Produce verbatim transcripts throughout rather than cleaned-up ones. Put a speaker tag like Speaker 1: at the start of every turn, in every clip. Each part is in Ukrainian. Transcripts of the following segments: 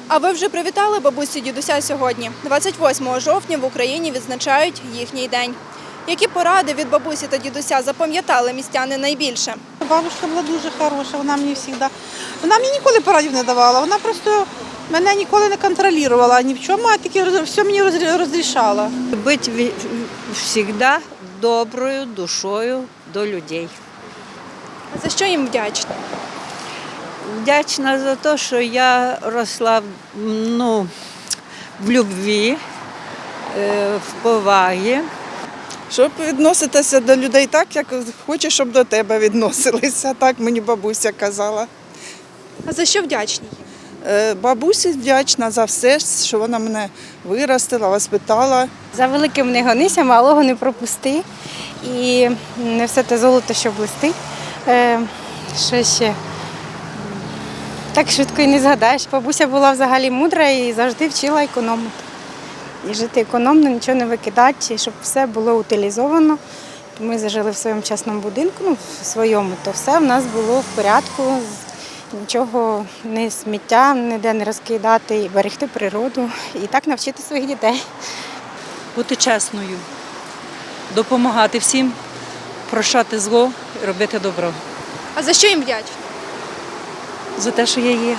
Speaker 1: А ви вже привітали бабусю дідуся сьогодні? двадцять восьмого жовтня в Україні відзначають їхній день. Які поради від бабусі та дідуся запам'ятали містяни найбільше?
Speaker 2: Бабушка була дуже хороша, вона мені завжди, вона мені ніколи порадів не давала, вона просто мене ніколи не контролювала ні в чому, а тільки все мені розрішала.
Speaker 3: Бути завжди доброю душою до людей.
Speaker 1: А за що їм вдячні?
Speaker 3: Вдячна за те, що я росла ну, в любві, в повагі.
Speaker 4: Щоб відноситися до людей так, як хочеш, щоб до тебе відносилися. Так мені бабуся казала.
Speaker 1: А за що вдячні?
Speaker 4: Е, Бабусі вдячна за все, що вона мене виростила, воспитала.
Speaker 5: За великим не гонися, малого не пропусти. І не все те золото, що блистить. Е, що ще? Так швидко і не згадаєш. Бабуся була взагалі мудра і завжди вчила економити. І жити економно, нічого не викидати, щоб все було утилізовано. Ми зажили в своєму частному будинку, ну, в своєму, то все в нас було в порядку. Нічого, не сміття, ніде не розкидати, і берегти природу. І так навчити своїх дітей.
Speaker 6: Бути чесною, допомагати всім, прощати зло і робити добро.
Speaker 1: А за що їм вдячні?
Speaker 6: За те, що я є.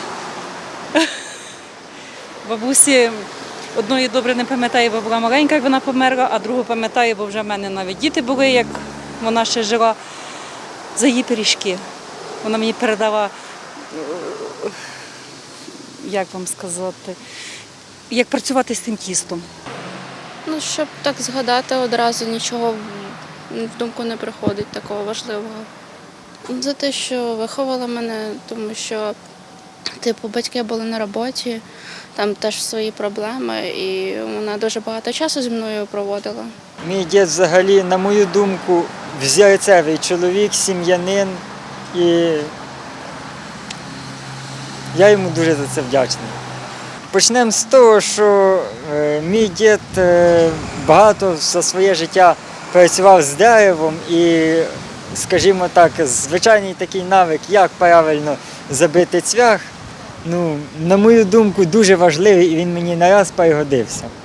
Speaker 6: Бабусі одної добре не пам'ятає, бо була маленька, як вона померла, а другу пам'ятає, бо вже в мене навіть діти були, як вона ще жила, за її пиріжки. Вона мені передала, як вам сказати, як працювати з тим тістом.
Speaker 7: Ну, щоб так згадати, одразу нічого в думку не приходить такого важливого. За те, що виховала мене, тому що типу, батьки були на роботі, там теж свої проблеми, і вона дуже багато часу зі мною проводила.
Speaker 8: Мій дід взагалі, на мою думку, взірцевий чоловік, сім'янин, і я йому дуже за це вдячний. Почнемо з того, що е, мій дід е, багато за своє життя працював з деревом і, скажімо так, звичайний такий навик, як правильно забити цвях, ну, на мою думку, дуже важливий і він мені не раз пригодився.